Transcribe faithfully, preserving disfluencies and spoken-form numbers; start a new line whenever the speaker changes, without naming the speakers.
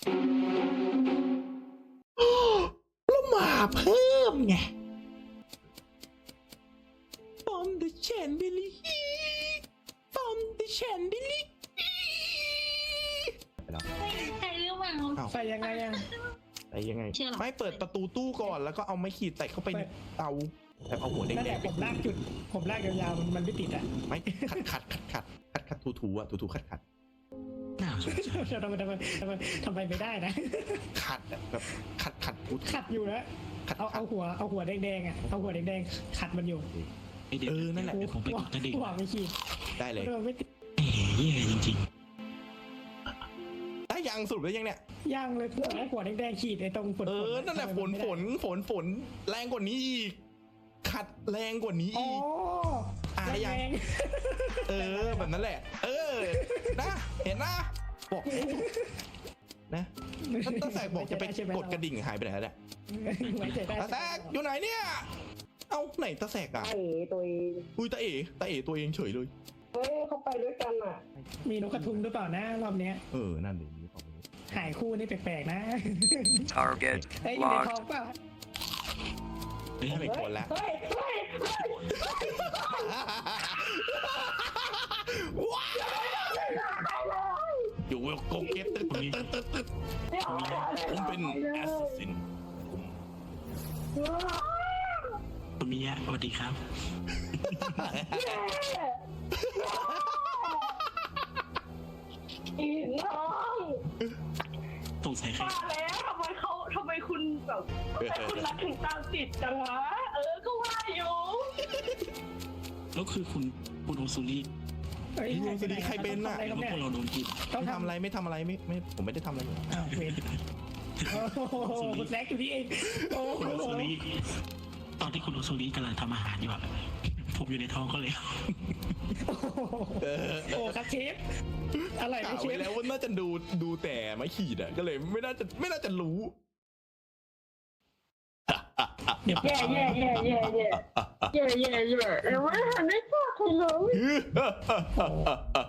แล้วมาเพิ่มไงฟอมเดอะแชนเดลิฟอมเดอะแชนเดลิไปแล้ว
ใช่หรือเปล่า
ใส่ยังไงอ่ะ
ไปยังไง
เชื่อหรอ
ไม่เปิดประตูตู้ก่อนแล้วก็เอาไม้ขีดแตะเข้าไปในเตาแต่เอาหัวแด
นั่นแห
ง
ละ
ๆไป
ผมลากจุดผมลากยาวๆมันมันไม่ติดอ่ะ
ไม่ขัดขัดขัดขัดขัดขัดถูถูอะถูถูขัดขัด
น่าสงสาร
ทำไมทำไมทำไมทำไมไม่ได้นะ
ขัดอะแบบขัดขัดถูถู
ขัดอยู่นะ
ขัด
เอา
ขั
เอา
ด
หัวเอาหัวแดงๆอ่ะเอาหัวแดงๆขัดมันอยู่
ไอเด็ก
เออนั่นแหละ
เดี๋ยวผมไปกดกระดิ่ง
หัวไม่ขีด
ได้เลย
เออไม่ติด
เอ๋เย่จริง
ได้ยังสรุปได้ยังเนี่ย
ย่างเลยเอาหัวแดงๆขีดไอ้ตรงฝน
เออนั่นแหละฝนฝนฝนฝนแรงกว่านี้อีกขัดแรงกว่านี้
อ๋อ
อีก อ่ะยัง
แรง
เออแบบนั้นแหละ เออนะเห็นนะบอกนะตั้งแต่บอกจะไปกดกระดิ่งหายไปไหนแล้วเนี่ย
ไว้ใจได้
ตาแซกอยู่ไหนเนี่ยเอ้าไหนตาแซกอ่ะ
เอ๋ตัวเอง
อุ้ยตาเอ๋ตาเอ๋ตัวเองเฉยเลย
เฮ้ยเขาไปด้วยกันอ่ะ
มีนกกระทุงหรือเปล่านะรอบเนี้ย
เออนั่นเลยนี่ตอนนี้
หายคู่นี่แปลกๆนะ
Target
เอ้ยอยู่ใน
locked.
ท้องเปล่า
ไม่ให้เป็นคนละ
เฮ้ยเฮ้ยเฮ้ย
ว้าวอยู่เวลโกเก็ตตึ๊ดตึ๊ดตึ๊ดตึ๊ดตึ๊ด
ไม่เอาอะไร
ผมเป็นแอสซิน
ๆคุณมิยะสวัสดีครับ
อีน้อง
สงสัยใคร
มาแล้วทำไมเขาทำไมคุณแบบทำไมคุณรักถึงตามติดจังวะเออก็ว่าอยู่
แล้วคือคุณคุณโอซูริ
เอ้ย
ลุงสวัสดีใครเป็นน่ะ
อะไร
แล้
คว รับ
พ
เนี่
วย กเราโดนกิน
ต้อง
ไม่
ทำ
ทำอะไรไม่ทำอะไรไม่ไม่ผมไม่ได้ทำอะไรเลย
อ้าวเวรโอ้โหคุณแซกอยู่นี่เองโอ้โห
คุณโอซูริตอนที่คุณโอซูริกำลังทำอาหารอยู่อะผมอยู่ในท้องเขาเลย
เออ
โอ้ครับเชฟอะไร
กะ
ไม่เช
ไว้
ฟ
แล้วว่าน่าจะดูดูแต่ไม้ขีดอ่ะก็เลยไม่น่าจะไม่น่าจะรู้
เดี๋ยว
แย่แย่แย่แย่แย่แย่แย่แย่เออไม่ทันได้พูดเลย